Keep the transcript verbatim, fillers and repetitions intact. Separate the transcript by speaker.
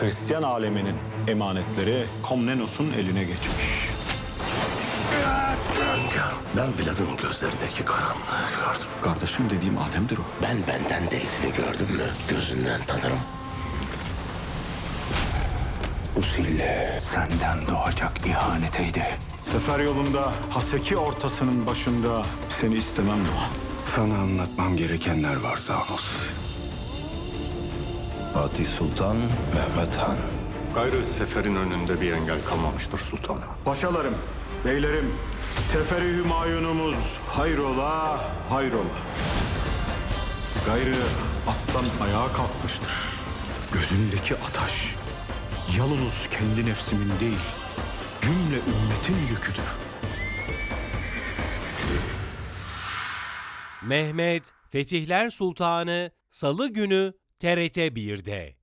Speaker 1: Hristiyan aleminin emanetleri Komnenos'un eline geçmiş.
Speaker 2: Hünkârım, ben Vlad'ın gözlerindeki karanlığı gördüm.
Speaker 1: Kardeşim dediğim Adem'dir o.
Speaker 2: Ben benden değilini gördüm mü gözünden tanırım. Bu sille senden doğacak ihaneteydi.
Speaker 1: Sefer yolunda Haseki ortasının başında seni istemem Doğan.
Speaker 2: Sana anlatmam gerekenler var Zanos. Fatih Sultan Mehmet Han.
Speaker 3: Gayrı seferin önünde bir engel kalmamıştır sultanım.
Speaker 1: Paşalarım, beylerim, Seferi Hümayunumuz hayrola, hayrola. Gayrı aslan ayağa kalkmıştır. Gözündeki ataş, yalnız kendi nefsimin değil, cümle ümmetin yüküdür.
Speaker 4: Mehmet Fetihler Sultanı Salı günü T R T bir'de.